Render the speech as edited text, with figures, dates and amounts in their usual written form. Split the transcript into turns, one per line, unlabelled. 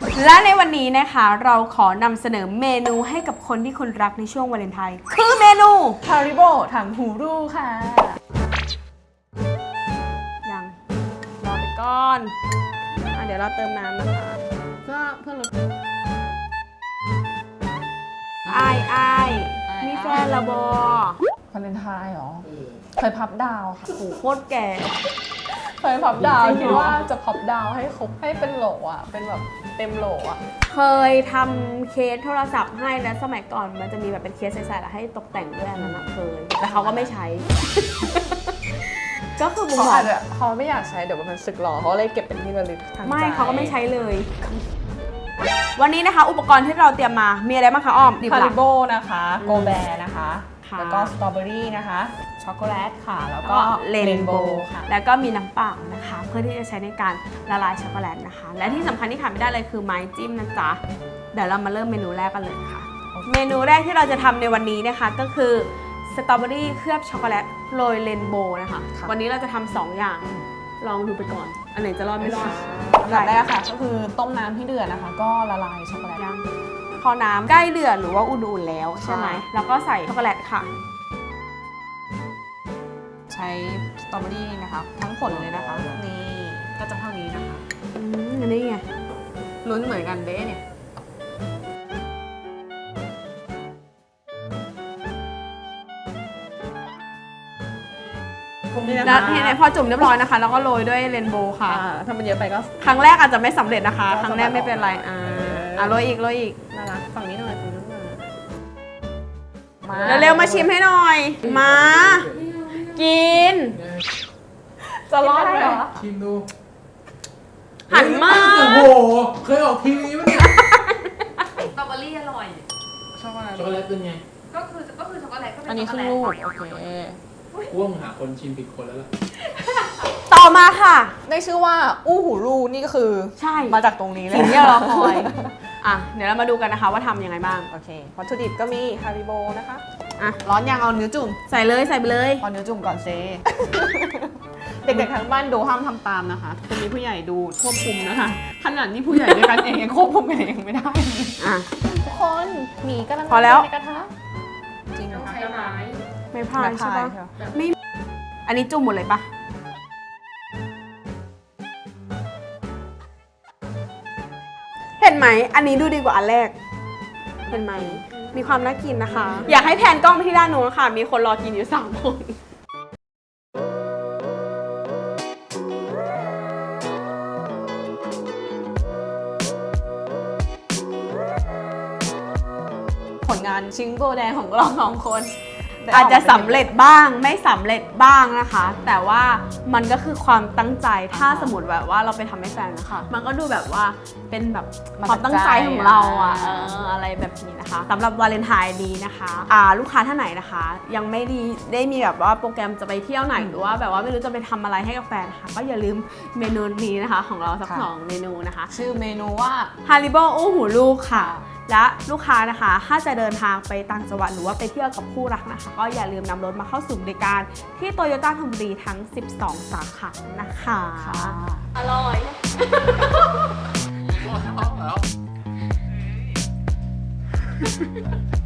และในวันนี้นะคะเราขอนำเสนอเมนูให้กับคนที่คุณรักในช่วงวาเลนไทน์คือเมนู
Haribo ถังหูรูค่ะ
ยังรอไปก่อนเดี๋ยวเราเติมน้ำนะคะเพื่อลดอายมีแฟนละบอ
วาเลนไทน์เหรอเคยพับดาวค่ะ
โอ้โหโคตรแก่
เคยพับดาว
จริงเหรอ
คิดว่าจะพับดาวให้ครบให้เป็นโหลอ่ะเป็นแบบเต็มโหลอ่ะ
เคยทำเคสโทรศัพท์ให้แล้วสมัยก่อนมันจะมีแบบเป็นเคสใสๆแล้วให้ตกแต่งด้วยอันนั้นนะเคยแต่เขาก็ไม่ใช้ ก็คือบุ๋ม
เขา
บอ
อาก จจะเขาไม่อยากใช้เดี๋ยวมันสึกหรอเขาเลยเก็บเป็นที่ระลึกทางใจ
ไม่เขาก็ไม่ใช้เลย วันนี้นะคะอุปกรณ์ที่เราเตรียมมามีอะไรบ้างคะอ้อมดิบ
ฮา
หลั
ริ
ก
โบนะคะโกแบร์นะคะ
ค่ะ
แล้วก็สตรอเบอรี่นะคะช็อกโกแลตค่ะแล้ว
แล้ว
ก็
ก็เรน
เรน
โบ
โบ
ว์
ว์ค่ะ
แล้วก็มีน้ำเปล่านะคะ เพื่อที่จะใช้ในการละลายช็อกโกแลตนะคะ และที่สำคัญที่ขาดไม่ได้เลยคือไม้จิ้มนะจ๊ะเดี๋ยวเรามาเริ่มเมนูแรกกันเลยค่ะ เมนูแรกที่เราจะทำในวันนี้นะคะก็คือสตรอเบอรี่เคลือบช็อกโกแลตโรยเรนโบว์นะคะ วันนี้เราจะทำ2อย่างลองดูไปก่อน อันไหนจะรอดไม่รอด
อันดับแรกค่ะก็คือต้มน้ำให้เดือดนะคะ ก็ละลายช็อกโกแลต
ยังพอน้ำใกล้เดือดหรือว่าอุ่นๆแล้วใช่ไหม
ค่ะ
แล้วก็ใส่ช็อกโกแลตค่ะ
ใช้สตรอเบอรี่นะคะทั้งผลเลยนะคะนี่ก็จะเท่านี้นะคะ
อันนี้ไง
ลุ้นเหมือนกันเด้เนี่ย
แล้วทีนี้พอจุ่มเรียบร้อยนะคะ แล้วก็โรยด้วยเรนโบว์ค่ะ
ถ้ามันเยอะไปก็
ครั้งแรกอาจจะไม่สำเร็จนะคะ
ก็
ครั้งแรกไม่เป็นไรโรยอีก
น่ารักฝั่งนี้หน่อยฝั่งนู้นหน่อยมา
เร็วๆมาชิมให้หน่อย มา กิน
จะรอดไหมเหรอ
ชิมดู
หันมา
โอ้โห เคยออกทีวีปะเนี่ย
สตรอเบอรี่อร่อย
ช็อกโกแลต
ช็อกโกแลตเป็นไง
ก็คือช็อกโกแลตก็เป็น
อันนี้
ช็
ค
อก
รึ่
โก
ง
แลต
ลูกโอเค
ว่างหาคนชิมผิดคนแล้วล่ะ
ต่อมาค่ะ
ได้ชื่อว่าอู้หูรูนี่ก็คือ
ใช่
มาจากตรงนี้เลย
สิ่งที่เราคอยเดี๋ยวเรามาดูกันนะคะว่าทำยังไงบ้าง
โอเควัตถุดิบก็มีฮาริโบนะคะ
ร้อนยังเอาเนื้อจุ่ม ใส่เลยใส่ไปเลย
เอาเนื้อจุ่มก่อนเซ เด็กๆทั้งบ้านดูห้ามทำตามนะคะคุณมีผู้ใหญ่ดูควบคุมนะคะ ขนาดนี้ผู้ใหญ่ด้วยกันเองยังควบคุมกันเองไม่ได้
อ่ะ
ทุกคนหมีกำลัง
พอแล้ว
ในกระทะจริง
ต้
นะ
อง
คะ
ใช้ไม้
ไม่พลาดใช่ปะ
ค่ะ
ไม่อันนี้จุ่มหมดเลยปะเห็นไหม อันนี้ดูดีกว่าอันแรก เห็นไหม มีความน่ากินนะคะ อยากให้แพนกล้องไปที่ด้านนู้นค่ะ มีคนรอกินอยู่3 คน
ผลงานชิงโบแดงของเรา2 คน
อาจจะสำเร็จบ้างไม่สำเร็จบ้างนะคะ แต่ว่ามันก็คือความตั้งใจถ้าสมมติแบบว่าเราไปทำให้แฟนนะคะ มันก็ดูแบบว่าเป็นแบบความตั้งใจของเราอะไรแบบนี้นะคะสำหรับวาเลนไทน์นี้นะคะลูกค้าท่านไหนนะคะ ยังไม่ได้มีแบบว่าโปรแกรมจะไปเที่ยวไหนหรือว่าแบบว่าไม่รู้จะไปทำอะไรให้กับแฟนนะคะก็อย่าลืมเมนูนี้นะคะของเราสัก2 เมนูนะคะ
ชื่อเมนูว่า
Haribo อู้หูลูกค่ะ และลูกค้านะคะถ้าจะเดินทางไปต่างจังหวัดหรือว่าไปเที่ยวกับคู่รักนะคะ ก็อย่าลืมนำรถมาเข้าสู่บริการที่โตโยต้าธนบุรีทั้ง 12 สาขานะคะ อร่อย